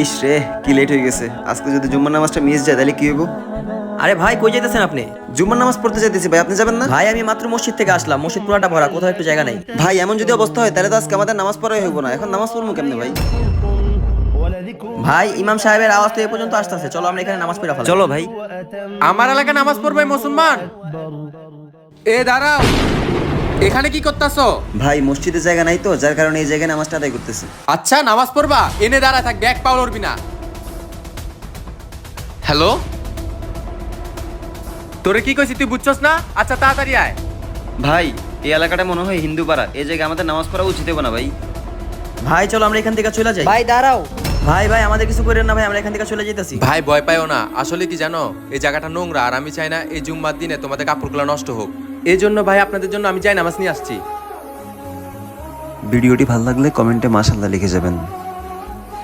ইস রে, কি লেট হয়ে গেছে। আজকে যদি জুম্মার নামাজটা মিস যায় তাহলে কি হইব? আরে ভাই কই যাইতেছেন আপনি? জুম্মার নামাজ পড়তে যাইতেছি ভাই, আপনি যাবেন না? ভাই আমি মাত্র মসজিদ থেকে আসলাম, মসজিদ পুরাটা ভরা, কোথাও একটু জায়গা নাই। ভাই এমন যদি অবস্থা হয় তাহলে তো আজকে আমাদের নামাজ পড়াই হইব না। এখন নামাজ পড়বো কেমনে ভাই? ভাই ইমাম সাহেবের আওয়াজ তো এই পর্যন্ত আসতেছে, চলো আমরা এখানে নামাজ পড়া ফেলি। চলো ভাই। আমার এলাকায় নামাজ পড়বে মুসলমান? এ দাঁড়াও, এখানে কি করতেছো? ভাই মসজিদে জায়গা নাই তো, যার কারণে এই জায়গায় নামাজটা আদায় করতেছি। আচ্ছা নামাজ পড়বা, এনে দাঁড়া থাক, ব্যাগ পাও লড়বি না। হ্যালো, তোরে কি কইছি তুই বুঝছস না? আচ্ছা তাড়াতাড়ি আয়। ভাই এই এলাকাটা মনে হয় হিন্দু পাড়া, এই জায়গায় আমাদের নামাজ পড়া উচিত হবে না ভাই। ভাই চলো আমরা এখান থেকে চলে যাই। ভাই দাঁড়াও। ভাই ভাই আমাদের কিছু করেন না ভাই, আমরা এখান থেকে চলে যেতেছি। ভাই ভয় পাইও না, আসলে কি জানো, এই জায়গাটা নোংরা আর আমি চাই না এই জুম্মার দিনে তোমাদের কাপড়গুলো নষ্ট হোক। এই জন্য ভাই আপনাদের জন্য আমি যাই নামাজ নিয়ে আসছি। ভিডিওটি ভালো লাগলে কমেন্টে মাশাআল্লাহ লিখে যাবেন।